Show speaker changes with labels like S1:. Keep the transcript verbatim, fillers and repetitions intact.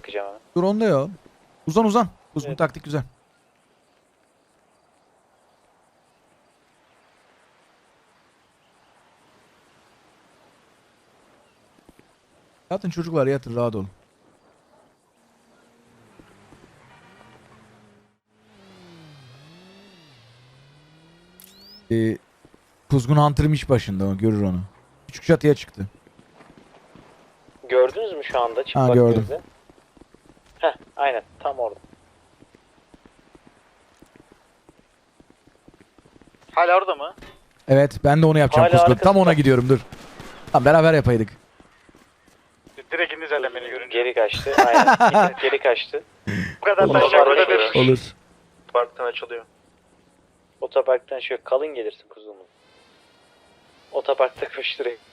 S1: bakacağım hemen.
S2: Dur onda ya. Uzan uzan. Kuzgun
S1: Evet.
S2: taktik güzel. Yatın çocuklar yatın rahat olun. Ee, Kuzgun Hunter'ım iş başında o görür onu. Küçük çatıya çıktı.
S1: Gördünüz mü şu anda çıplak
S2: gördüm.
S1: gözle? Heh, aynen tam orada.
S3: Hala orada mı?
S2: Evet ben de onu yapacağım
S1: Hala
S2: Kuzgun. Tam
S1: arkasında.
S2: ona gidiyorum dur. Tamam beraber yapaydık.
S3: Direkt indi zaten beni görünce.
S1: Geri kaçtı. Aynen. geri kaçtı.
S3: Bu kadar
S1: Otopark
S3: taşacak burada
S1: açılıyor.
S3: bir
S2: Olur.
S3: parktan açılıyor.
S1: Otoparktan şöyle kalın gelirsin kuzum. Otoparkta koşturayım.